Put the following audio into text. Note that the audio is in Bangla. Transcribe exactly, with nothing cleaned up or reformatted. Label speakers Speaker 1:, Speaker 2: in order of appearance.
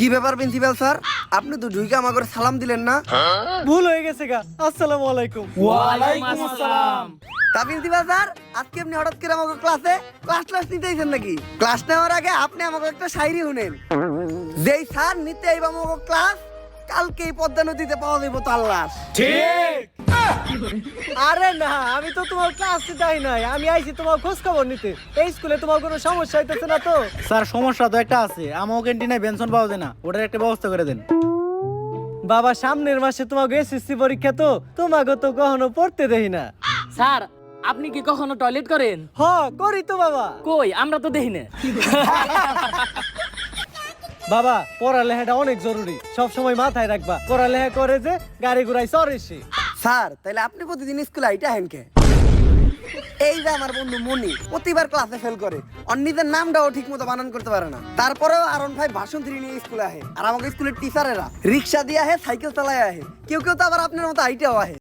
Speaker 1: কি ব্যাপার প্রিন্সিপাল স্যার, আপনি তো ঢুকে আমাকে সালাম দিলেন না?
Speaker 2: ভুল হয়ে গেছে গা। আসসালামু আলাইকুম।
Speaker 3: ওয়ালাইকুম আসসালাম।
Speaker 1: তা প্রিন্সিপাল স্যার, আজকে আপনি হঠাৎ করে আমাকে ক্লাসে ক্লাস ক্লাস নিতে আইছেন নাকি? ক্লাস নেওয়ার আগে আপনি আমাকে একটা শায়রি শুনেন। যেই স্যার নিতে আইবা আমাকে ক্লাস, কালকে এই পদ্মা নদীতে পাওয়া যাইব তার লাশ।
Speaker 3: ঠিক।
Speaker 2: আরে না, আমি তো তোমার ক্লাসে যাই নাই, আমি আইছি তোমার খোঁজ খবর নিতে। এই স্কুলে তোমার কোনো সমস্যা হইতেছে না তো?
Speaker 4: স্যার সমস্যা তো একটা আছে, আমার ক্যান্টিনে বেনশন পাওয়া যায় না, ওটার একটা ব্যবস্থা করে দেন।
Speaker 2: বাবা সামনের মাসে তোমাকে এসএসসি পরীক্ষা, তো তোমাকে তো কখনো পড়তে দেই না।
Speaker 3: স্যার আপনি কি কখনো টয়লেট করেন?
Speaker 2: হ করি তো বাবা।
Speaker 3: কই আমরা তো দেখি না।
Speaker 2: বাবা পড়ালেখাটা অনেক জরুরি, সব সময় মাথায় রাখবা। পড়ালেখা করে যে গাড়ি ঘুরাই চড়ে সে।
Speaker 1: স্যার তাহলে আপনি প্রতিদিন স্কুলে আইটা হেন কে? এই যে আমার বন্ধু মনি প্রতিবার ক্লাসে ফেল করে, ওর নিজের নামটাও ঠিক মতো বানান করতে পারে না, তারপরেও আরন ভাই ভাষণ থ্রি নিয়ে স্কুলে আহে। আর আমাকে স্কুলের টিচারেরা রিক্সা দিয়ে আহে, সাইকেল চালায় আহে, কেউ কেউ তো আবার আপনার মতো আইটাও আহে।